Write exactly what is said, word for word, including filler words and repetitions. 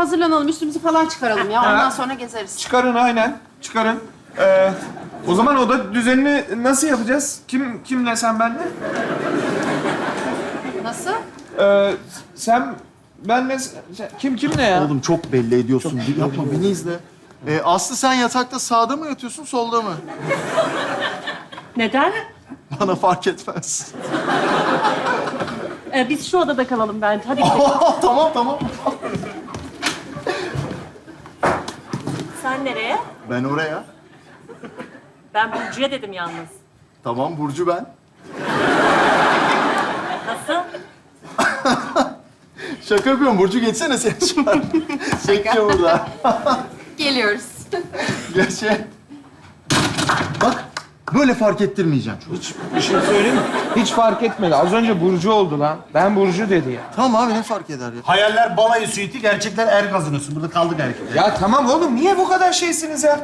hazırlanalım, üstümüzü falan çıkaralım ya. Ondan sonra gezeriz. Çıkarın aynen. Çıkarın. Ee, o zaman oda düzenini nasıl yapacağız? Kim kimle sen benle? Nasıl? Ee, sen benle sen- kim kimle ya? Oğlum çok belli ediyorsun. Bir yapma, beni izle. Ee, Aslı sen yatakta sağda mı yatıyorsun, solda mı? Neden? Bana fark etmez. Ee, biz şu odada kalalım bence. Hadi gidelim. Tamam, tamam. Sen nereye? Ben oraya. Ben Burcu'ya dedim yalnız. Tamam, Burcu ben. Nasıl? Şaka yapıyorum. Burcu geçsene sen şu an. Çekiyor burada. Geliyoruz. Geç. Bak, böyle fark ettirmeyeceğim. Hiç bir şey söyleyeyim mi? Hiç fark etmedi. Az önce Burcu oldu lan. Ben Burcu dedi ya. Tamam abi, ne fark eder ya? Hayaller balayı suiti, gerçekler er gazinosu. Burada kaldık erkekler. Ya tamam oğlum, niye bu kadar şeysiniz ya?